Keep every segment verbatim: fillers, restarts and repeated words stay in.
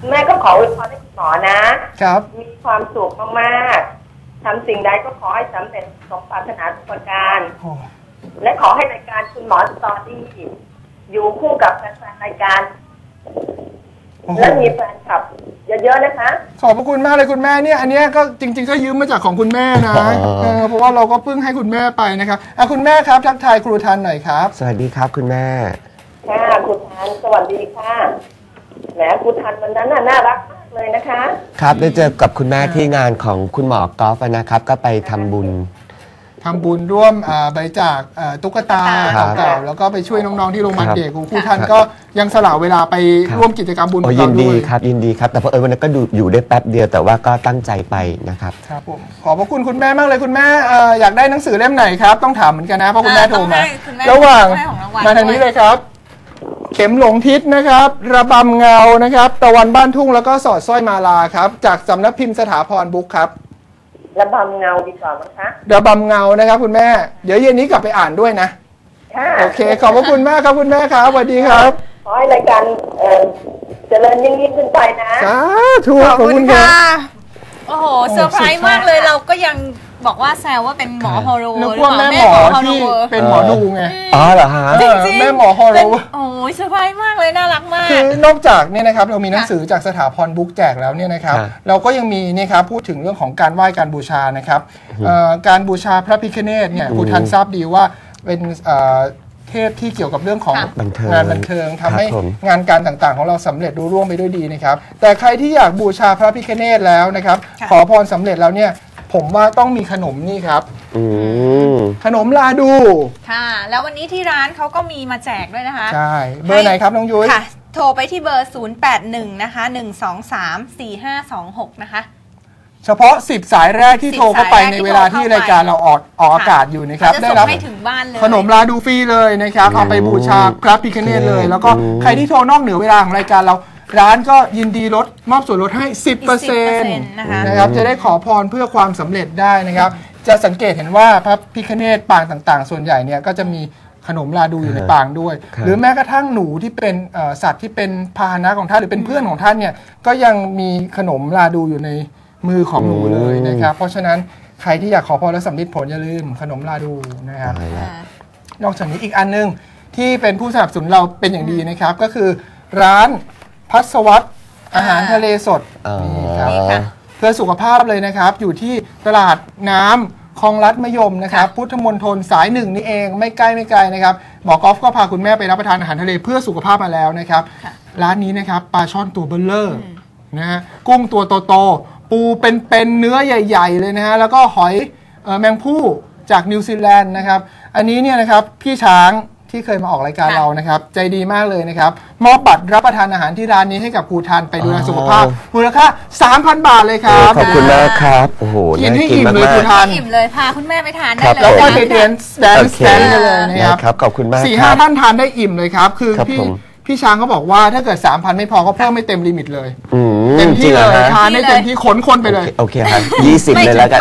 แม่ก็ขออวยพรให้คุณหมอนะครับมีความสุขมากๆทำสิ่งใดก็ขอให้สำเร็จสมปรารถนาทุกประการและขอให้รายการคุณหมอสตอรี่อยู่คู่กับแฟนๆรายการและมีแฟนคลับเยอะๆนะคะขอบพระคุณมากเลยคุณแม่เนี่ยอันนี้ก็จริงๆก็ยืมมาจากของคุณแม่นะเออเพราะว่าเราก็เพิ่งให้คุณแม่ไปนะครับอ่ะคุณแม่ครับทักทายครูทันหน่อยครับสวัสดีครับคุณแม่ค่ะครูทันสวัสดีค่ะแหมครูทันวันนั้นน่ารักมากเลยนะคะครับได้เจอกับคุณแม่ที่งานของคุณหมอกอล์ฟนะครับก็ไปทำบุญทำบุญร่วมบริจาคตุ๊กตาเก่าๆแล้วก็ไปช่วยน้องๆที่โรงพยาบาลเด็กครูทันก็ยังสละเวลาไปร่วมกิจกรรมบุญกับเราด้วยยินดีครับยินดีครับแต่พอเออวันนั้นก็ดูอยู่ได้แป๊บเดียวแต่ว่าก็ตั้งใจไปนะครับครับผมขอบพระคุณคุณแม่มากเลยคุณแม่อยากได้หนังสือเล่มไหนครับต้องถามเหมือนกันนะเพราะคุณแม่โทรมาระหว่างมาทางนี้เลยครับเข็มหลงทิศนะครับระบำเงานะครับตะวันบ้านทุ่งแล้วก็สอดสร้อยมาลาครับจากสำนักพิมพ์สถาพรบุ๊กครับระบำเงาดีกว่ามั้งคะระบำเงานะครับคุณแม่เดี๋ยวเย็นนี้กลับไปอ่านด้วยนะค่ะโอเคขอบพระคุณมากครับคุณแม่ครับสวัสดีครับขอให้รายการเจริญยิ่งยิ่งขึ้นไปนะสาธุขอบคุณค่ะโอ้โหเซอร์ไพรส์มากเลยเราก็ยังบอกว่าแซวว่าเป็นหมอฮอร์โรนึกว่าแม่หมอที่เป็นหมอดูไงอ๋อเหรอฮะจริงๆแม่หมอฮอร์โรโอ้ยเซอร์ไพรส์มากเลยน่ารักมากคือนอกจากเนี่ยนะครับเรามีหนังสือจากสถาพรบุ๊กแจกแล้วเนี่ยนะครับเราก็ยังมีนี่ครับพูดถึงเรื่องของการไหว้การบูชานะครับการบูชาพระพิฆเนศเนี่ยคุณทันทราบดีว่าเป็นเทพที่เกี่ยวกับเรื่องของงานบันเทิงทำให้งานการต่างๆของเราสำเร็จรุ่ร่วงไปด้วยดีนะครับแต่ใครที่อยากบูชาพระพิฆเนศแล้วนะครับขอพรสำเร็จแล้วเนี่ยผมว่าต้องมีขนมนี่ครับขนมลาดูค่ะแล้ววันนี้ที่ร้านเขาก็มีมาแจกด้วยนะคะใช่เบอร์ไหนครับน้องยุ้ยค่ะโทรไปที่เบอร์ศูนย์ แปด หนึ่งนะคะหนึ่ง สอง สาม สี่ ห้า สอง หกนะคะเฉพาะสิบสายแรกที่โทรเข้าไปในเวลาที่รายการเราออกออกอากาศอยู่นะครับได้รับขนมลาดูฟรีเลยนะครับเอาไปบูชาพระพิฆเนศเลยแล้วก็ใครที่โทรนอกเหนือเวลาของรายการเราร้านก็ยินดีลดมอบส่วนลดให้ สิบเปอร์เซ็นต์ นะครับจะได้ขอพรเพื่อความสำเร็จได้นะครับจะสังเกตเห็นว่าพระพิฆเนศปางต่างๆส่วนใหญ่เนี่ยก็จะมีขนมลาดูอยู่ในปางด้วยหรือแม้กระทั่งหนูที่เป็นสัตว์ที่เป็นพาหนะของท่านหรือเป็นเพื่อนของท่านเนี่ยก็ยังมีขนมลาดูอยู่ในมือของหนูเลยนะครับเพราะฉะนั้นใครที่อยากขอพรและสำเร็จผลอย่าลืมขนมลาดูนะครับนอกจากนี้อีกอันนึงที่เป็นผู้สนับสนุนเราเป็นอย่างดีนะครับก็คือร้านพัสวัตอาหารทะเลสดนี่ครับเพื่อสุขภาพเลยนะครับอยู่ที่ตลาดน้ำคลองลัดมะยมนะครับพุทธมณฑลสายหนึ่งนี่เองไม่ใกล้ไม่ไกลนะครับหมอกอล์ฟก็พาคุณแม่ไปรับประทานอาหารทะเลเพื่อสุขภาพมาแล้วนะครับร้านนี้นะครับปลาช่อนตัวเบลเลอร์นะฮะกุ้งตัวโตๆปูเป็นๆเนื้อใหญ่ๆเลยนะฮะแล้วก็หอยแมงผู้จากนิวซีแลนด์นะครับอันนี้เนี่ยนะครับพี่ช้างที่เคยมาออกรายการเรานะครับใจดีมากเลยนะครับมอบบัตรรับประทานอาหารที่ร้านนี้ให้กับครูทันไปดูแลสุขภาพมูลค่า สามพัน บาทเลยครับขอบคุณมากครับโอ้โหกินให้อิ่มเลยครูทันอิ่มเลยพาคุณแม่ไปทานได้เลยแล้วก็ไปเดนส์แดนส์แดนส์เลยนะครับขอบคุณมากสี่ห้า ท่านทานได้อิ่มเลยครับคือพี่พี่ช้างเขาบอกว่าถ้าเกิด สามพัน ไม่พอก็เพิ่มไม่เต็มลิมิตเลยเต็มที่เลยทานได้เต็มที่ขนคนไปเลยโอเคครับยี่สิบเลยแล้วกัน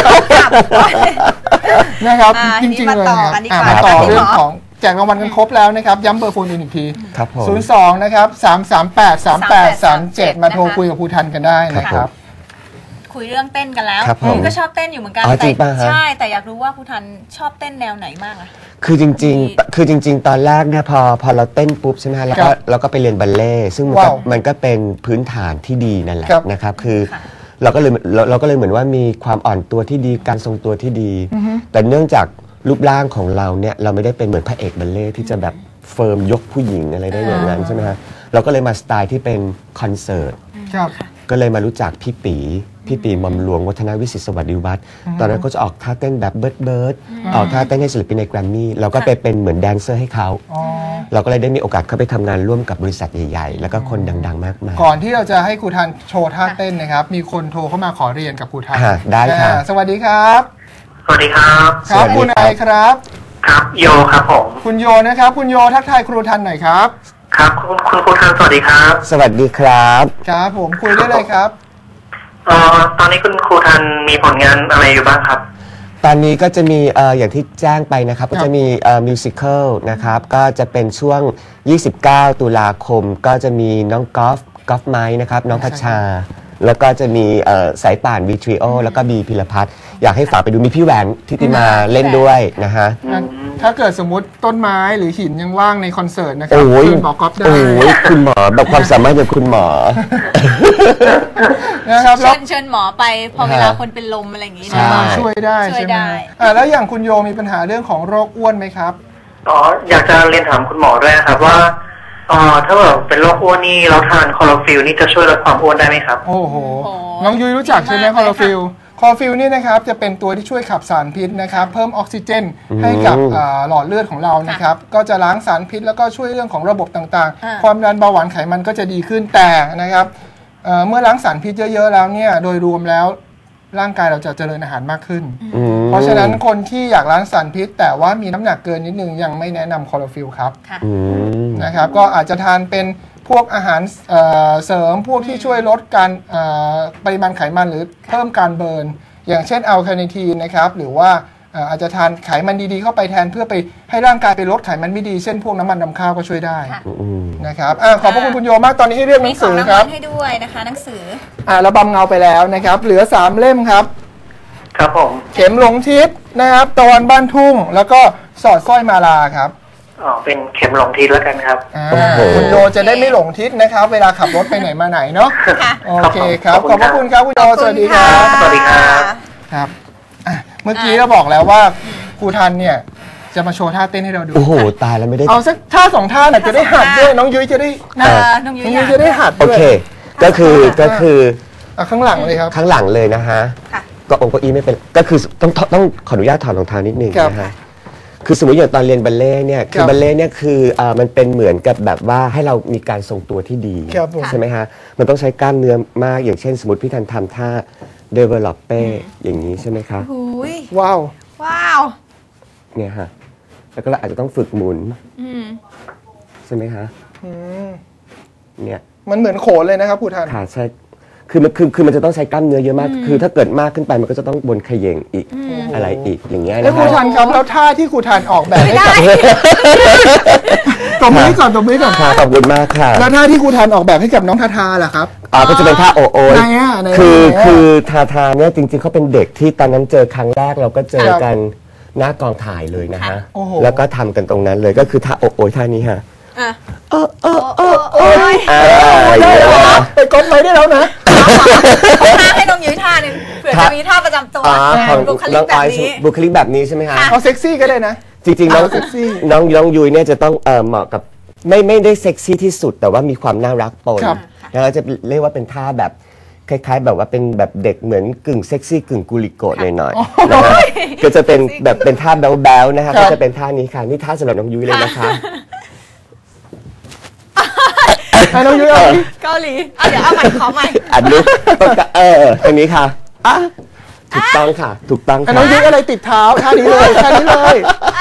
นะครับจริงๆเลยมาต่อเรื่องของแจกรางวัลกันครบแล้วนะครับย้ำเบอร์โฟนอีกทีศูนย์ สองนะครับสาม สาม แปด สาม แปด สาม เจ็ดมาโทรคุยกับครูทันกันได้นะครับคุยเรื่องเต้นกันแล้วคุณก็ชอบเต้นอยู่เหมือนกันแต่ใช่แต่อยากรู้ว่าครูทันชอบเต้นแนวไหนมากอะคือจริงๆคือจริงๆตอนแรกเนี่ยพอพอเราเต้นปุ๊บใช่ไหมแล้วก็เราก็ไปเรียนบัลเล่ซึ่งมันก็มันก็เป็นพื้นฐานที่ดีนั่นแหละนะครับคือเราก็เลยเราก็เลยเหมือนว่ามีความอ่อนตัวที่ดีการทรงตัวที่ดีแต่เนื่องจากรูปร่างของเราเนี่ยเราไม่ได้เป็นเหมือนพระเอกบัลเล่ที่จะแบบเฟิร์มยกผู้หญิงอะไรได้อย่างนั้นใช่ไหมฮะเราก็เลยมาสไตล์ที่เป็นคอนเสิร์ตก็เลยมารู้จักพี่ปีพี่ปีหม่อมหลวงวัฒนวิสิทธิ์สวัสดิวัฒน์ตอนนั้นก็จะออกท่าเต้นแบบเบิร์ดเบิร์ดออกท่าเต้นให้ศิลปินในแกรมมี่เราก็ไปเป็นเหมือนแดนเซอร์ให้เขาเราก็เลยได้มีโอกาสเข้าไปทำงานร่วมกับบริษัทใหญ่ๆแล้วก็คนดังๆมากมายก่อนที่เราจะให้ครูทันโชว์ท่าเต้นนะครับมีคนโทรเข้ามาขอเรียนกับครูทันได้ครับสวัสดีครับสวัสดีครับครับคุณอะไรครับครับโยครับผมคุณโยนะครับคุณโยทักทายครูทันหน่อยครับครับคุณคุณครูทันสวัสดีครับสวัสดีครับครับผมคุยได้เลยครับเอ่อตอนนี้คุณครูทันมีผลงานอะไรอยู่บ้างครับตอนนี้ก็จะมีเอ่ออย่างที่แจ้งไปนะครับก็จะมีเอ่อมิวสิควลนะครับก็จะเป็นช่วงยี่สิบเก้าตุลาคมก็จะมีน้องกอล์ฟกอล์ฟไม้นะครับน้องพัชชาแล้วก็จะมีสายป่านวีทริโอแล้วก็บีพิรพัฒน์อยากให้ฝากไปดูมีพี่แหวนทิติมาเล่นด้วยนะฮะถ้าเกิดสมมติต้นไม้หรือหินยังว่างในคอนเสิร์ตนะครับเชิญหมอกอล์ฟได้โอ้ยคุณหมอแบบความสามารถจากคุณหมอนะครับเชิญเชิญหมอไปพอเวลาคนเป็นลมอะไรอย่างนี้นะช่วยได้ช่วยได้แล้วอย่างคุณโยมีปัญหาเรื่องของโรคอ้วนไหมครับอ๋ออยากจะเรียนถามคุณหมอด้วยครับว่าอ๋อถ้าแบบเป็นโรคอ้วนนี่เราทานคลอโรฟิลนี่จะช่วยลดความอ้วนได้ไหมครับโอ้โหน้องยุ้ยรู้จักใช่ไหมคลอโรฟิลคลอโรฟิลนี่นะครับจะเป็นตัวที่ช่วยขับสารพิษนะครับเพิ่มออกซิเจนให้กับหลอดเลือดของเรานะครับก็จะล้างสารพิษแล้วก็ช่วยเรื่องของระบบต่างๆความดันเบาหวานไขมันก็จะดีขึ้นแต่นะครับเมื่อล้างสารพิษเยอะๆแล้วเนี่ยโดยรวมแล้วร่างกายเราจะเจริญอาหารมากขึ้นเพราะฉะนั้นคนที่อยากล้างสารพิษแต่ว่ามีน้ำหนักเกินนิดนึงยังไม่แนะนำคลอโรฟิลครับนะครับก็อาจจะทานเป็นพวกอาหารเสริมพวกที่ช่วยลดการปริมาณไขมันหรือเพิ่มการเบิร์นอย่างเช่นอัลคาเนทีนนะครับหรือว่าอาจจะทานไขมันดีๆเข้าไปแทนเพื่อไปให้ร่างกายไปลดไขมันไม่ดีเช่นพวกน้ำมันนำข้าวก็ช่วยได้นะครับขอบพระคุณคุณโยมากตอนนี้ให้เรียกหนังสือครับให้ด้วยนะคะหนังสืออ่าระบำเงาไปแล้วนะครับเหลือสามเล่มครับครับผมเข็มหลงทิศนะครับตะวันบ้านทุ่งแล้วก็สอดสร้อยมาลาครับอ๋อเป็นเข็มหลงทิศแล้วกันครับคุณโยจะได้ไม่หลงทิศนะครับเวลาขับรถไปไหนมาไหนเนาะโอเคครับขอบพระคุณครับคุณโยสวัสดีครับสวัสดีครับครับเมื่อกี้เราบอกแล้วว่าครูทันเนี่ยจะมาโชว์ท่าเต้นให้เราดูโอ้โหตายแล้วไม่ได้เอาสักท่าสองท่าหน่อยจะได้หัดด้วยน้องยุ้ยจะได้น้องยุ้ยจะได้หัดด้วยโอเคก็คือก็คือข้างหลังเลยครับข้างหลังเลยนะฮะก็องค์เก้าอี้ไม่เป็นก็คือต้องต้องขออนุญาตถอดรองเท้านิดนึงนะฮะคือสมมติอย่างตอนเรียนบัลเล่เนี่ยคือบัลเล่เนี่ยคืออ่ามันเป็นเหมือนกับแบบว่าให้เรามีการทรงตัวที่ดีใช่ไหมฮะมันต้องใช้กล้ามเนื้อมากอย่างเช่นสมมติพี่ทันทำท่าเดเวลลอปเป้อย่างนี้ใช่ไหมคะว้าวว้าวเนี่ยฮะแล้วก็เราอาจจะต้องฝึกหมุนใช่ไหมคะเนี่ยมันเหมือนโขนเลยนะครับครูทันค่ะใช่คือมันคือคือมันจะต้องใช้กล้ามเนื้อเยอะมากคือถ้าเกิดมากขึ้นไปมันก็จะต้องบนเขย่งอีกอะไรอีกอย่างเงี้ยนะแล้วครูทันครับแล้วท่าที่ครูทันออกแบบให้กับตบมือก่อนตบมือก่อนขอบคุณมากค่ะแล้วท่าที่ครูทันออกแบบให้กับน้องทาทาล่ะครับอ๋อก็จะเป็นท่าโอโอยคือคือทาทาเนี่ยจริงๆเขาเป็นเด็กที่ตอนนั้นเจอครั้งแรกเราก็เจอกันหน้ากองถ่ายเลยนะฮะแล้วก็ทำกันตรงนั้นเลยก็คือท่าโอโอยท่านี้ฮะเออเออเออเออไปกดไว้ได้แล้วนะท่าให้น้องยุ้ยท่าหนึ่งเผื่อจะมีท่าประจำตัวบุคลิกแบบนี้บุคลิกแบบนี้ใช่ไหมคะเอาเซ็กซี่ก็ได้นะจริงๆน้องเซ็กซี่น้องน้องยุ้ยเนี่ยจะต้องเออเหมาะกับไม่ไม่ได้เซ็กซี่ที่สุดแต่ว่ามีความน่ารักปนแล้วจะเรียกว่าเป็นท่าแบบคล้ายๆแบบว่าเป็นแบบเด็กเหมือนกึ่งเซ็กซี่กึ่งกุลิโกะหน่อยๆนะฮะก็จะเป็นแบบเป็นท่าแบ๊วๆนะคะก็จะเป็นท่านี้ค่ะนี่ท่าสำหรับน้องยุ้ยเลยนะคะน้องยุ้ยเกาหลีเอาเดี๋ยวเอาใหม่ขอใหม่อันนี้เออตรงนี้ค่ะถูกต้องค่ะถูกต้องค่ะน้องยุ้ยอะไรติดเท้าท่านี้เลยท่านี้เลย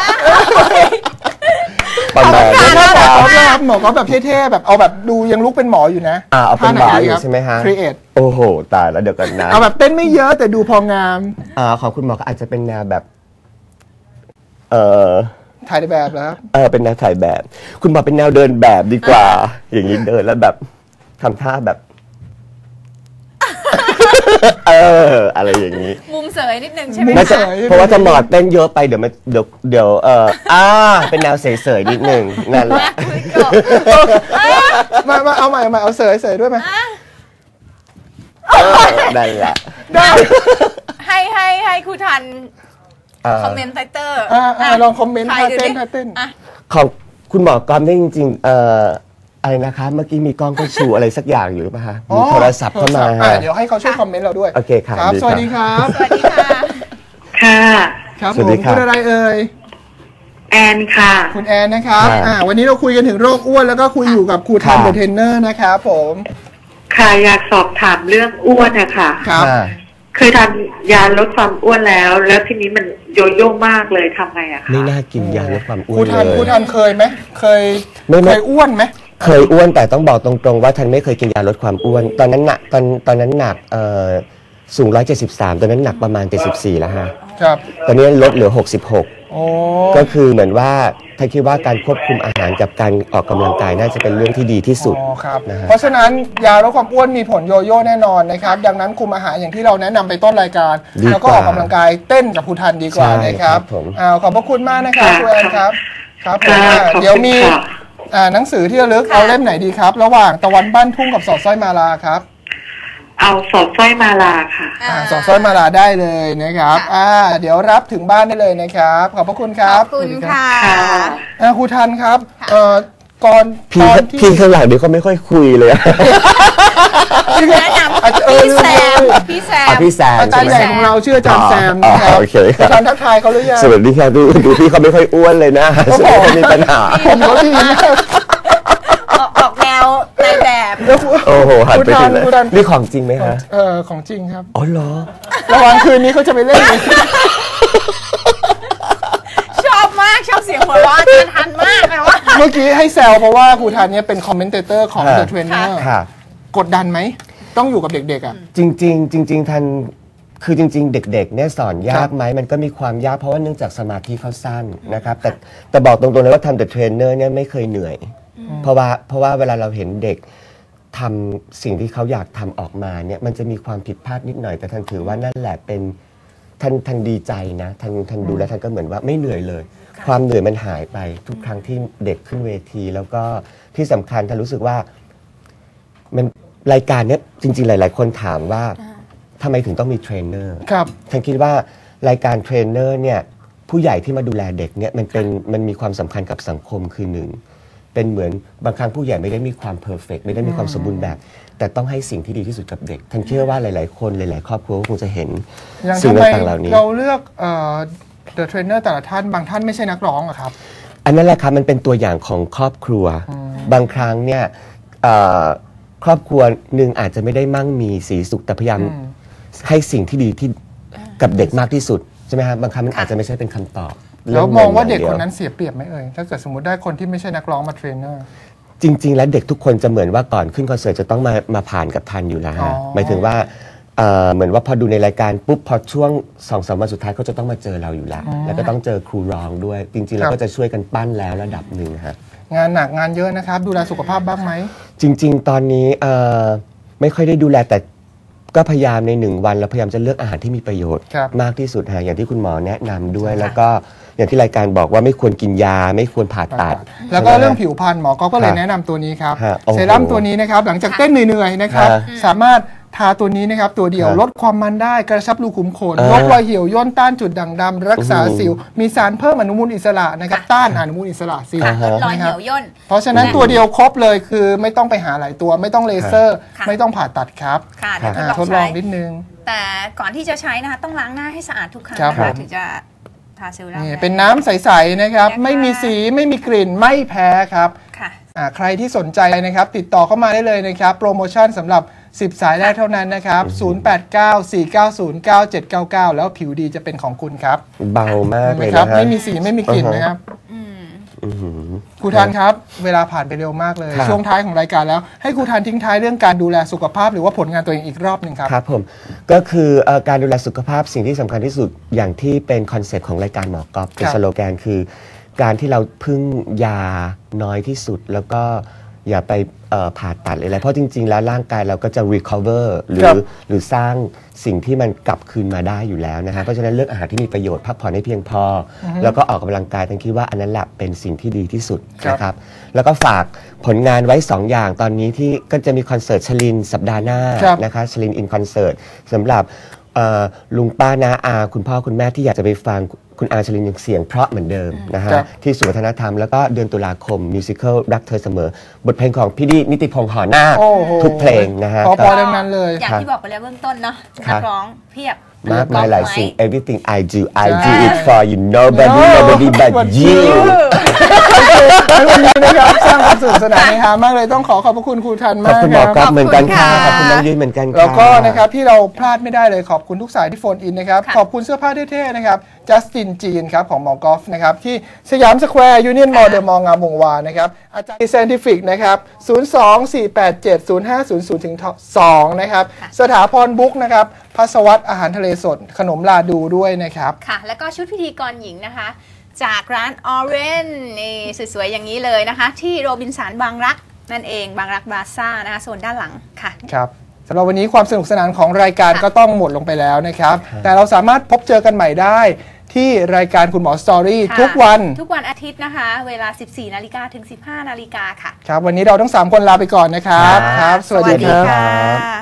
ประมาณนี้นะครับหมอก็แบบเท่ๆแบบเอาแบบดูยังลุกเป็นหมออยู่นะอ่าเอาเป็นหมออยู่ใช่ไหมฮะ create โอ้โหตายแล้วเดี๋ยวกันนะเอาแบบเต้นไม่เยอะแต่ดูพองามอ่าของคุณหมอก็อาจจะเป็นแนวแบบเออถ่ายแบบแล้วเออเป็นแนวถ่ายแบบคุณหมอเป็นแนวเดินแบบดีกว่าอย่างนี้เดินแล้วแบบทำท่าแบบเอออะไรอย่างนี้มุมเสยนิดนึงใช่ไหมเพราะว่าจะหมอดเต้นเยอะไปเดี๋ยวมันเดี๋ยวเดี๋ยวเอออ่าเป็นแนวเสยๆนิดนึงนั่นแหละมามาเอาใหม่มาเอาเสยเสยด้วยไหมนั่นแหละให้ให้ให้ครูทันคอมเมนต์ไฟเตอร์ลองคอมเมนต์ท่าเต้นท่าเต้นของคุณหมอกรได้จริงๆเอ่ออะไรนะคะเมื่อกี้มีกล้องก็ชูอะไรสักอย่างอยู่หรือเปล่าคะมีโทรศัพท์เข้ามาเดี๋ยวให้เขาช่วยคอมเมนต์เราด้วยโอเคครับสวัสดีครับสวัสดีค่ะค่ะครับผมคุณอะไรเอ่ยแอนค่ะคุณแอนนะครับอ่าวันนี้เราคุยกันถึงโรคอ้วนแล้วก็คุยอยู่กับครูทันเดอะเทรนเนอร์นะครับผมค่ะอยากสอบถามเรื่องอ้วนนะคะครับเคยทานยาลดความอ้วนแล้วแล้วทีนี้มันโยโย่มากเลยทำไงอะคะไม่น่ากินยาลดความอ้วนเลยครูทันครูทันเคยไหมเคยเคยอ้วนไหมเคยอ้วนแต่ต้องบอกตรงๆว่าทันไม่เคยกินยาลดความอ้วนตอนนั้นหนักตอนตอนนั้นหนักเอ่อสูงหนึ่งร้อยเจ็ดสิบสามตอนนั้นหนักประมาณเจ็ดสิบสี่แล้วฮะครับตอนนี้ลดเหลือหกสิบหกก็คือเหมือนว่าถ้าคิดว่าการควบคุมอาหารกับการออกกำลังกายน่าจะเป็นเรื่องที่ดีที่สุดนะเพราะฉะนั้นยาลดความอ้วนมีผลโยโย่แน่นอนนะครับดังนั้นคุมอาหารอย่างที่เราแนะนำไปต้นรายการแล้วก็ออกกำลังกายเต้นกับครูทันดีกว่านะครับขอบพระคุณมากนะครับครูแอนครับครับเดี๋ยวมีหนังสือที่ระลึกเอาเล่มไหนดีครับระหว่างตะวันบ้านทุ่งกับสอดสร้อยมาลาครับเอาสอดสร้อยมาลาค่ะสอดสร้อยมาลาได้เลยนะครับอ่าเดี๋ยวรับถึงบ้านได้เลยนะครับขอบพระคุณครับขอบคุณค่ะครูทันครับเอ่อก่อนพี่พี่ข้างหลังเดี๋ยวเขาไม่ค่อยคุยเลยแนะนำพี่แซมพี่แซมพี่แซมอาจารย์ใหญ่ของเราชื่ออาจารย์แซมนะครับอาจารย์ทักทายเขาหรือยังสวัสดีครับดูดูพี่เขาไม่ค่อยอ้วนเลยนะมีปัญหาผมก็ดีออกแนวในแบบโอ้โหหันไปถึงเลยนี่ของจริงไหมฮะเออของจริงครับอ๋อเหรอระหว่างคืนนี้เขาจะไปเล่นชอบมากชอบเสียงหัวเราะอาจารย์ทันมากเลยว่าเมื่อกี้ให้แซวเพราะว่าครูทันเนี่ยเป็นคอมเมนเตเตอร์ของ The Trainer กดดันไหมต้องอยู่กับเด็กๆอ่ะจริงๆจริงๆทันคือจริงๆเด็กๆเนี่ยสอนยากไหมมันก็มีความยากเพราะว่าเนื่องจากสมาธิเขาสั้นนะครับแต่แต่บอกตรงๆเลยว่าทำ The Trainer เนี่ยไม่เคยเหนื่อยเพราะว่าเพราะว่าเวลาเราเห็นเด็กทำสิ่งที่เขาอยากทำออกมาเนี่ยมันจะมีความผิดพลาดนิดหน่อยแต่ท่านถือว่านั่นแหละเป็นท่านท่านดีใจนะท่านท่านดูแล้วท่านก็เหมือนว่าไม่เหนื่อยเลยความเหนื่อยมันหายไปทุกครั้งที่เด็กขึ้นเวทีแล้วก็ที่สำคัญท่านรู้สึกว่ามันรายการเนี้ยจริงๆหลายๆคนถามว่าทำไมถึงต้องมีเทรนเนอร์ครับท่านคิดว่ารายการเทรนเนอร์เนี่ยผู้ใหญ่ที่มาดูแลเด็กเนี่ยมันเป็นมันมีความสำคัญกับสังคมคือหนึ่งเป็นเหมือนบางครั้งผู้ใหญ่ไม่ได้มีความเพอร์เฟกต์ไม่ได้มีความสมบูรณ์แบบแต่ต้องให้สิ่งที่ดีที่สุดกับเด็กท่านเชื่อว่าหลายๆคนหลายๆครอบครัวคงจะเห็นสิ่งต่างๆเหล่านี้เราเลือกเอ่อ The Trainer แต่ละท่านบางท่านไม่ใช่นักร้องอะครับอันนั้นแหละครับมันเป็นตัวอย่างของครอบครัวบางครั้งเนี่ยครอบครัวหนึ่งอาจจะไม่ได้มั่งมีสีสุขแต่พยายามให้สิ่งที่ดีที่กับเด็กมากที่สุดใช่ไหมครับบางครั้งมันอาจจะไม่ใช่เป็นคำตอบแล้วมองว่าเด็กคนนั้นเสียเปรียบไหมเอ่ยถ้าเกิดสมมติได้คนที่ไม่ใช่นักร้องมาเทรนเนอร์จริงๆแล้วเด็กทุกคนจะเหมือนว่าก่อนขึ้นคอนเสิร์ตจะต้องมามาผ่านกับทันอยู่แล้วฮะหมายถึงว่าเหมือนว่าพอดูในรายการปุ๊บพอช่วงสองสามวันสุดท้ายเขาจะต้องมาเจอเราอยู่แล้วแล้วก็ต้องเจอครูร้องด้วยจริงๆเราก็จะช่วยกันปั้นแล้วระดับหนึ่งฮะงานหนักงานเยอะนะครับดูแลสุขภาพบ้างไหมจริงๆตอนนี้ไม่ค่อยได้ดูแลแต่ก็พยายามในหนึ่งวันเราพยายามจะเลือกอาหารที่มีประโยชน์มากที่สุดฮะอย่างที่คุณหมอแนะนำด้วยแล้วก็อย่างที่รายการบอกว่าไม่ควรกินยาไม่ควรผ่าตัดแล้วก็เรื่องผิวพรรณหมอก็เลยแนะนำตัวนี้ครับเซรั่มตัวนี้นะครับหลังจากเต้นเหนื่อยๆนะครับสามารถทาตัวนี้นะครับตัวเดียวลดความมันได้กระชับรูขุมขนลดรอยเหี่ยวย่นต้านจุดด่างดำรักษาสิวมีสารเพิ่มอนุมูลอิสระนะครับต้านอนุมูลอิสระสิวลดรอยเหี่ยวย่นเพราะฉะนั้นตัวเดียวครบเลยคือไม่ต้องไปหาหลายตัวไม่ต้องเลเซอร์ไม่ต้องผ่าตัดครับทดลองนิดนึงแต่ก่อนที่จะใช้นะคะต้องล้างหน้าให้สะอาดทุกครั้งถึงจะทาเซรั่มเป็นน้ำใสๆนะครับไม่มีสีไม่มีกลิ่นไม่แพ้ครับใครที่สนใจนะครับติดต่อเข้ามาได้เลยนะครับโปรโมชั่นสำหรับสิบสายแรกเท่านั้นนะครับศูนย์ แปด เก้า สี่ เก้า ศูนย์ เก้า เจ็ด เก้า เก้าแล้วผิวดีจะเป็นของคุณครับเบามากเลยนะครับไม่มีสีไม่มีกลิ่นนะครับครูทันครับเวลาผ่านไปเร็วมากเลยช่วงท้ายของรายการแล้วให้ครูทันทิ้งท้ายเรื่องการดูแลสุขภาพหรือว่าผลงานตัวเองอีกรอบหนึ่งครับครับผมก็คือการดูแลสุขภาพสิ่งที่สำคัญที่สุดอย่างที่เป็นคอนเซ็ปต์ของรายการหมอกอล์ฟเป็นสโลแกนคือการที่เราพึ่งยาน้อยที่สุดแล้วก็อย่าไปผ่าตัดอะไรเพราะจริงๆแล้วร่างกายเราก็จะ recover หรือหรือสร้างสิ่งที่มันกลับคืนมาได้อยู่แล้วนะฮะเพราะฉะนั้นเลือกอาหารที่มีประโยชน์พักผ่อนให้เพียงพอแล้วก็ออกกำลังกายทั้งคิดว่าอันนั้นแหละเป็นสิ่งที่ดีที่สุดนะครับแล้วก็ฝากผลงานไว้สองอย่างตอนนี้ที่ก็จะมีคอนเสิร์ตชลินสัปดาห์หน้านะคะชลินอินคอนเสิร์ตสำหรับลุงป้าน้าอาคุณพ่อคุณแม่ที่อยากจะไปฟังคุณอาชลินยังเสียงเพราะเหมือนเดิมนะฮะที่ศูนย์วัฒนธรรมแล้วก็เดือนตุลาคมมิวสิควลรักเธอเสมอบทเพลงของพี่ดินิติพงษ์หอนาคทุกเพลงนะฮะพอๆดังนั้นเลยอย่างที่บอกไปแล้วเบื้องต้นเนาะนักร้องเพียบมากมายหลายสิ่ง everything I do I do it for you nobody nobody but you วันนี้นะครับสร้างความสนุกสนานในฮามากเลยต้องขอขอบพระคุณครูทันมากขอบคุณหมอก๊อฟเหมือนกันค่ะขอบคุณน้องยุ้ยเหมือนกันแล้วก็นะครับที่เราพลาดไม่ได้เลยขอบคุณทุกสายที่โฟนอินนะครับขอบคุณเสื้อผ้าเท่ๆนะครับจัสตินจีนครับของหมอกอล์ฟนะครับที่สยามสแควร์ยูเนียนมอลล์เดอะมอลล์งามวงวานนะครับอาจารย์เซนติฟิกนะครับศูนย์ สอง สี่ แปด เจ็ด ศูนย์ ห้า ศูนย์ ศูนย์ ถึง สองนะครับสถาพรบุ๊กนะครับพัสวัตอาหารทะเลสดขนมลาดูด้วยนะครับค่ะแล้วก็ชุดพิธีกรหญิงนะคะจากร้านออเรนนี่สวยๆอย่างนี้เลยนะคะที่โรบินสันบางรักนั่นเองบางรักบาซ่านะคะโซนด้านหลังค่ะครับสำหรับวันนี้ความสนุกสนานของรายการก็ต้องหมดลงไปแล้วนะครับแต่เราสามารถพบเจอกันใหม่ได้ที่รายการคุณหมอสตอรี่ทุกวันทุกวันอาทิตย์นะคะเวลา สิบสี่นาฬิกา ถึง สิบห้านาฬิกาค่ะครับวันนี้เราทั้งสามคนลาไปก่อนนะครับครับสวัสดีครับ